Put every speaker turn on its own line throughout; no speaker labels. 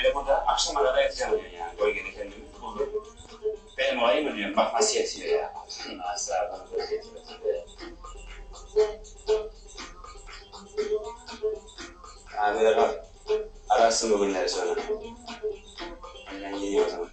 böyle burada akşama kadar yatacağım diyor yani. Bölgede kendimi buldum. Benim olayım mı diyorum, bak nasıl yatıyor ya. Nasıl aradan böyle getiriyor. Ha böyle bak. Ararsın bugünleri sonra. Ben gideyim o zaman.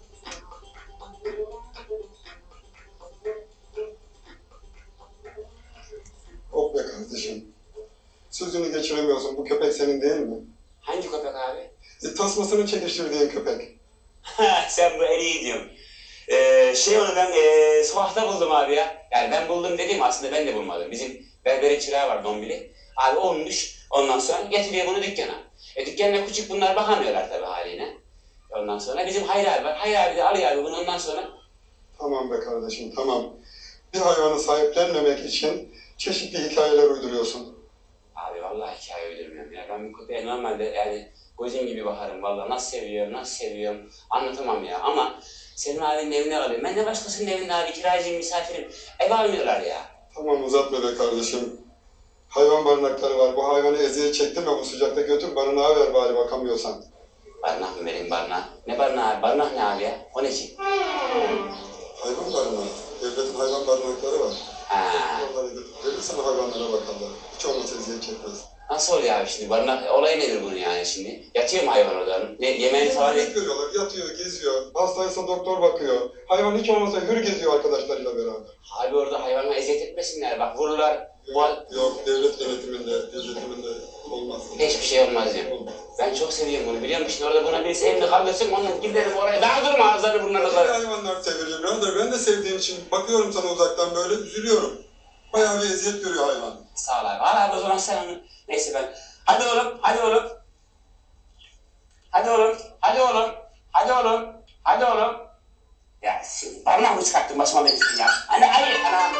Hop be kardeşim. Sözünü geçiremiyorsun. Bu köpek senin değil mi?
Hangi köpek abi?
Tasmasını çekiştirdiğin köpek.
Sen bu iyi diyorsun. Onu ben sokakta buldum abi ya. Yani ben buldum dediğim aslında ben de bulmadım. Bizim berbere çırağı var Dombili. Abi olmuş. Ondan sonra getiriyor bunu dükkana. Dükkanına küçük bunlar bakamıyorlar tabii haline. Ondan sonra bizim Hayri abi var. Hayri abi de alıyor abi bunu ondan sonra.
Tamam be kardeşim tamam. Bir hayvanı sahiplenmemek için çeşitli hikayeler uyduruyorsun.
Abi vallahi hikaye uydurmuyorum ya. Ben bu köpeğe normalde yani gözüm gibi bakarım vallahi. Nasıl seviyorum anlatamam ya. Ama Selim abinin evine alıyorum. Ben de başkasının evinde abi kiracıyım, misafirim. Ev almıyorlar ya.
Tamam uzatma be kardeşim. Hayvan barınakları var. Bu hayvanı eziyet çektirme bu sıcakta götür barınağa ver bari bakamıyorsan.
Barınak mı vereyim barınağa? Ne barınağı abi? Barınak ne abi ya? O ne ki?
Hayvan barınağı. Devletin hayvan barınakları var.
Ha.
Onlara verirsen hayvanlara bakarlar. Hiç olmazsa eziyet çekmez.
Nasıl oluyor abi şimdi? Barınak olayı nedir bunun yani şimdi? Yatıyor mu hayvan orada? Ne yemeğini falan
Yemek veriyorlar, yatıyor, geziyor. Hastaysa doktor bakıyor. Hayvan hiç olmazsa hür geziyor arkadaşlarıyla beraber.
Abi orada hayvanla eziyet etmesinler. Bak vururlar.
Yok, devlet yönetiminde, gözetiminde olmaz.
Hiçbir şey olmaz diyorum.
Olmaz.
Ben çok seviyorum bunu biliyor musun? Orada buna birisi elini kaldırsın onunla giderim oraya. Dağıtırım ağızlarını burnlarına
Böyle
kadar.
hayvanlar sevilir birader. Ben de sevdiğim için bakıyorum sana uzaktan böyle üzülüyorum. Bayağı bir eziyet görüyor hayvan.
Sağ ol abi. Al abi o zaman sen onu. Neyse ben. Hadi oğlum, hadi oğlum. Hadi oğlum, hadi oğlum. Hadi oğlum, hadi oğlum. Ya şimdi barınağı mı çıkarttın başıma benim ya? Hayır, ana.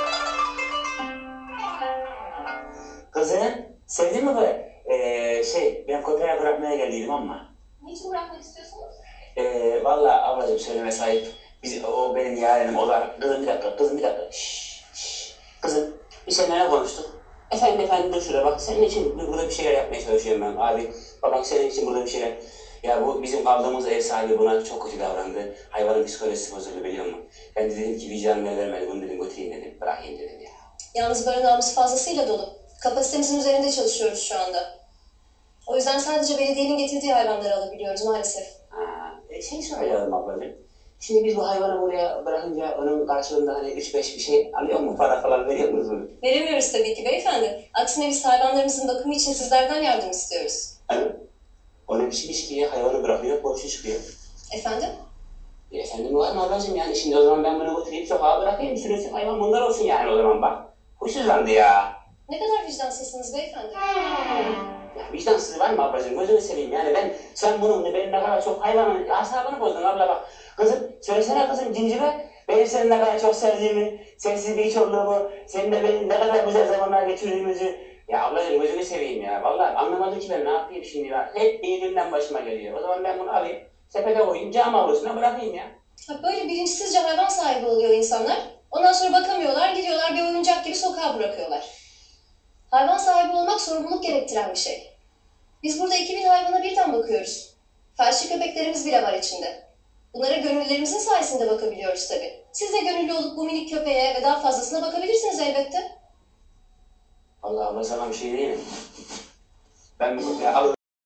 Kızım, sevdin mi bu? Ben köpeğe bırakmaya geldiydim ama.
Niçin bırakmak istiyorsunuz?
Vallahi ablacığım söyleme sahip. O benim yeğenim, o da... Kızım bir dakika. Kızım, biz seninle ne konuştuk? Efendim dur şuraya bak, senin için burada bir şeyler yapmaya çalışıyorum ben. Abi, babam senin için burada bir şeyler... Ya bu bizim kaldığımız ev sahibi buna çok kötü davrandı. Hayvanın psikolojisi bozuldu biliyor musun? Ben de dedim ki vicdanım el vermedi, bunu dedim götüreyim dedim, bırakayım dedim ya.
Yalnız barınağımız fazlasıyla dolu. Kapasitemizin üzerinde çalışıyoruz şu anda. O yüzden sadece belediyenin getirdiği hayvanları alabiliyoruz maalesef.
Soracağım ablacığım. Şimdi biz bu hayvanı buraya bırakınca onun karşılığında hani 3-5 bir şey alıyor mu? Para falan veriyor musunuz?
Veremiyoruz tabii ki beyefendi. Aksine biz hayvanlarımızın bakımı için sizlerden yardım istiyoruz.
O ne biçim iş ki ya? Hayvanı bırakıyor, borçlu çıkıyor.
Efendim?
Efendim var mı ablacığım yani? Şimdi o zaman ben bunu götüreyim sokağa bırakayım. Sürünsün hayvan bunlar olsun yani o zaman bak. Huysuzlandı ya.
Ne kadar vicdansızsınız beyefendi.
Ya vicdansız var mı ablacığım? Gözünü seveyim yani sen bunun benim ne kadar çok hayvanın asabını bozdun abla bak. Kızım söylesene kızım cincibe. Benim senin ne kadar çok sevdiğimi, sensiz bir hiç olduğumu, seninle benim ne kadar güzel zamanlar geçirdiğimizi. Ya ablacığım gözünü seveyim ya. Vallahi anlamadım ki ben ne yapayım şimdi ya. Hep iyi günden başıma geliyor. O zaman ben bunu alayım, sepete koyayım, cam avlusuna bırakayım ya.
Böyle bilinçsizce hayvan sahibi oluyor insanlar. Ondan sonra bakamıyorlar, gidiyorlar bir oyuncak gibi sokağa bırakıyorlar. Hayvan sahibi olmak sorumluluk gerektiren bir şey. Biz burada 2000 hayvana birden bakıyoruz. Felçli köpeklerimiz bile var içinde. Bunlara gönüllülerimizin sayesinde bakabiliyoruz tabii. Siz de gönüllü olup bu minik köpeğe ve daha fazlasına bakabilirsiniz elbette.
Vallahi abla sana bir şey diyeyim mi? Ben bu köpeği alırım.